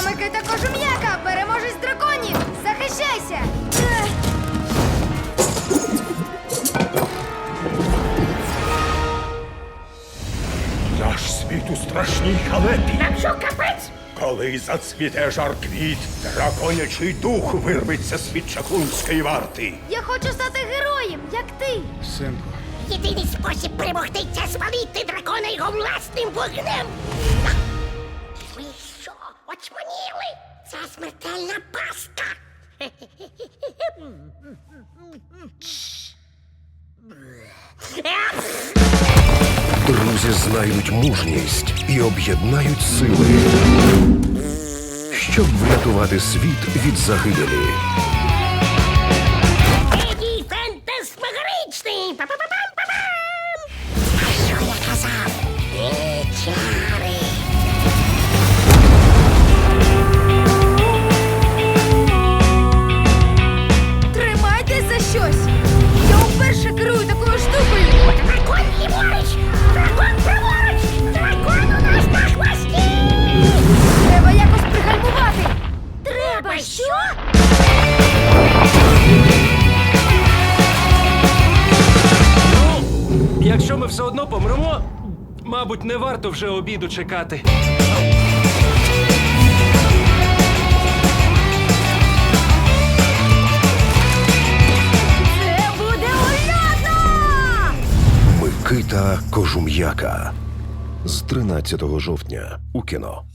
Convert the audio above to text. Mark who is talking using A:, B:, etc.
A: Микита Кожум'яка, переможець драконів! Захищайся!
B: Наш світ у страшній халепі.
C: Нам що, капець?
B: Коли зацвіте жар квіт, драконячий дух вирветься з-під чаклунської варти.
A: Я хочу стати героєм, як ти!
D: Синку,
C: Єдиний спосіб перемогти – це спалити дракона його власним вогнем. Ви що, очманіли? Це смертельна пастка.
E: Друзі знайдуть мужність і об'єднають сили, щоб врятувати світ від загибелі.
C: Еді фантасмагоричний! Па-па-па-пам-па-пам! А що я казав? Чари!
A: Тримайтесь за щось! Я вперше керую такою штукою!
C: Дракон ліворуч! Дракон праворуч! Дракон у нас на хвості!
A: Треба якось пригальмувати! Треба що?
F: Якщо ми все одно помремо, мабуть, не варто вже обіду чекати.
A: Це буде ульотно!
E: Микита Кожум'яка з 13 жовтня у кіно.